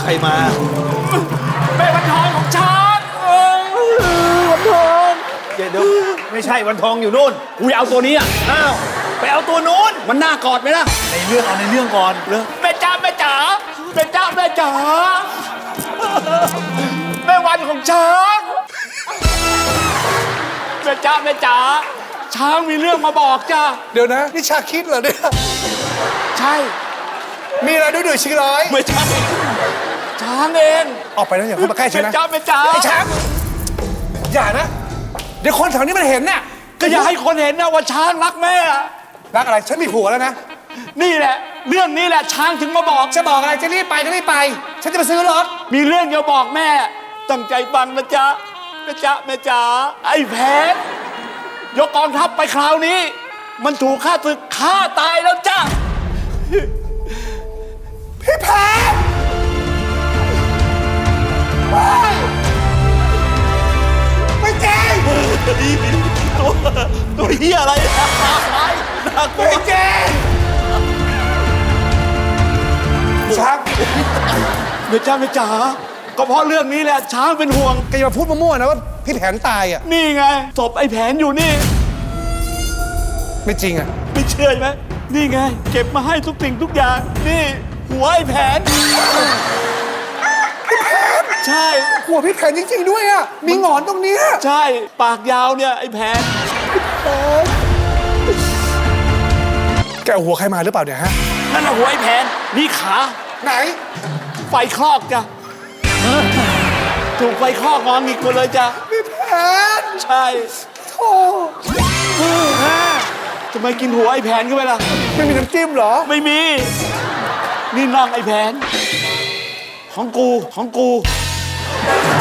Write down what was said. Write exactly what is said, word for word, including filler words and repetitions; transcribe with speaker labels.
Speaker 1: ใครมา
Speaker 2: แม่วันทองของฉัน
Speaker 1: วันทองเดี๋ยวไม่ใช่วันทองอยู่นู่น
Speaker 2: กูเอาตัวนี้อ่ะ
Speaker 1: อ้าวไปเอาตัวนู้น
Speaker 2: มันน่ากอดไหมล่ะ
Speaker 1: ในเรื่องเอาในเรื่องก่อนเรื่อง
Speaker 2: แม่จ้าแม่จ๋าแม่จ้าแม่จ๋าแม่วันของช้างแม่จ้าแม่จ๋าช้างมีเรื่องมาบอกจ้า
Speaker 3: เดี๋ยวนะนี่ชาคิดเหรอเนี่ย
Speaker 2: ใช่
Speaker 3: มีอะไรด้วยด้วยชิร้อย
Speaker 2: ไม่ใช่ช้างเอง
Speaker 3: ออกไปนะอย่าเข้ามาใกล้ฉัน
Speaker 2: แม่
Speaker 3: นะ
Speaker 2: จ้าแม่จ๋า
Speaker 3: ไอ้ช้างอย่านะ เดี๋ยวคนแถวนี้มันเห็นน่ะ
Speaker 2: ก็อย่าให้คนเห็นนะว่าช้างรักแม่
Speaker 3: รักอะไรฉันมีผัวแล้วนะ
Speaker 2: นี่แหละ เรื่องนี้แหละช้างถึงมาบอก
Speaker 3: จะบอกอะไรจะรีบไปก็รีบไป ฉันจะไปซื้อรถ
Speaker 2: มีเรื่องจะบอกแม่ ตั้งใจฟังนะจ๊ะแม่จ๊ะแม่จ๋าไอ้แผนยกกองทัพไปคราวนี้ มันถูกฆ่าศึกฆ่าตายแล้วจ้ะ
Speaker 3: พี่แพน ไม่จริง
Speaker 1: ตัวตัวเฮียอะไรอะไรน่ากลัว
Speaker 3: ไม่จริงช้าง
Speaker 2: แม่จ๊ะแม่จ๋าก็เพราะเรื่องนี้แหละช้างเป็นห่วง
Speaker 3: แกอย่ามาพูดมั่วๆนะว่าพี่แผนตายอ่ะ
Speaker 2: นี่ไงศพไอ้แผนอยู่นี่
Speaker 3: ไม่จริงอ่ะ
Speaker 2: ไม่เชื่อไหมนี่ไง เก็บมาให้ทุกสิ่งทุกอย่าง นี่ หัวไอ้แผน ใช่
Speaker 3: หัวพี่แผนจริงๆด้วยอ่ะ มีหงอนตรงเนี้ย
Speaker 2: ใช่ ปากยาวเนี่ย ไอ้แผน
Speaker 3: แกเอาหัวใครมาหรือเปล่าเนี่ยฮะ
Speaker 2: นั่นแหละหัวไอ้แผน นี่ขา
Speaker 3: ไหน
Speaker 2: ไฟคลอกจ้ะ ถูกไฟคลอกงอนอีกคนเลยจ้ะ
Speaker 3: พี่แผน
Speaker 2: ใช่
Speaker 3: โธ่
Speaker 2: ทำไมกินหัวไอ้แผนเข้าไปล่ะ
Speaker 3: ไม่มีน้ำจิ้มเหรอ
Speaker 2: ไม่มี นี่น่องไอ้แผน ของกู ของกู
Speaker 3: พ